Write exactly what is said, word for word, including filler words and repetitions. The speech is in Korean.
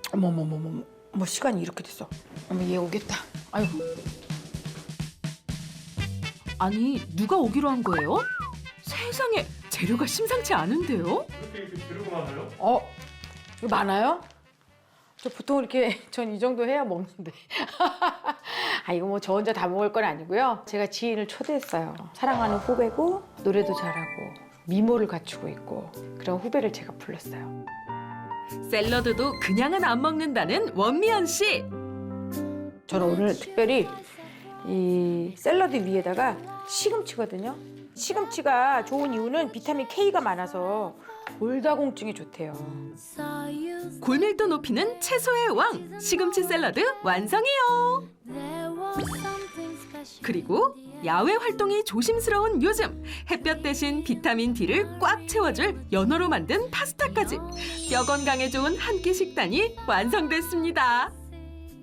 어머머머머, 뭐 시간이 이렇게 됐어. 어머 얘 오겠다. 아유. 아니, 누가 오기로 한 거예요? 세상에, 재료가 심상치 않은데요? 이렇게 이렇게 재료가 많아요? 어, 이거 많아요? 저 보통 이렇게 전 이 정도 해야 먹는데. 아 이거 뭐 저 혼자 다 먹을 건 아니고요. 제가 지인을 초대했어요. 사랑하는 후배고 노래도 잘하고 미모를 갖추고 있고 그런 후배를 제가 불렀어요. 샐러드도 그냥은 안 먹는다는 원미연 씨. 저는 오늘 특별히 이 샐러드 위에다가 시금치거든요. 시금치가 좋은 이유는 비타민 K가 많아서 골다공증에 좋대요. 골밀도 높이는 채소의 왕, 시금치 샐러드 완성이요. 그리고 야외 활동이 조심스러운 요즘, 햇볕 대신 비타민 D를 꽉 채워줄 연어로 만든 파스타까지 뼈 건강에 좋은 한 끼 식단이 완성됐습니다.